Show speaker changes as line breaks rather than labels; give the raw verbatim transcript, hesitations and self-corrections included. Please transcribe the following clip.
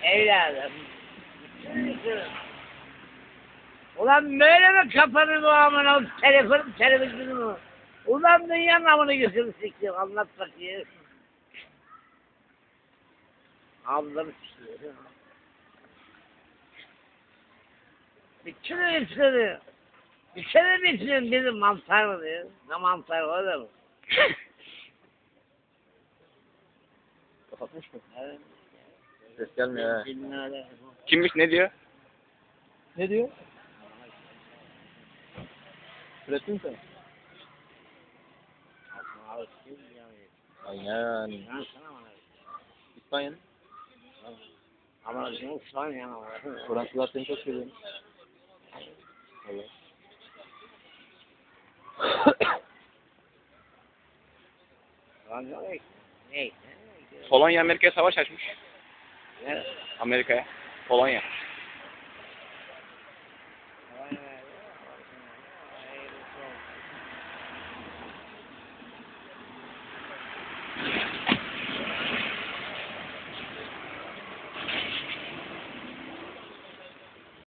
Evladım. Ulan böyle mi kapanır bu amına telefon televizyonu? Ulan dünyanın amını gözünü siktir. Anlat bakayım. Ablam istiyor. Bir kere hepsini. Bir kere bitirin dedim mantar mı diyor. Ne mantar o da mı?
Kapatmış mı?
Evet.
Ses gelmiyor ha.
Bilmem.
Kimmiş ne diyor?
Ne diyor? Ürettin sen. Aynen. İspanya'nın.
Ama İspanya ama.
Fransızlar seni çok seviyor. Evet.
Ne?
Polonya Amerika'ya savaş açmış.
Ne?
Amerika'ya. Polonya.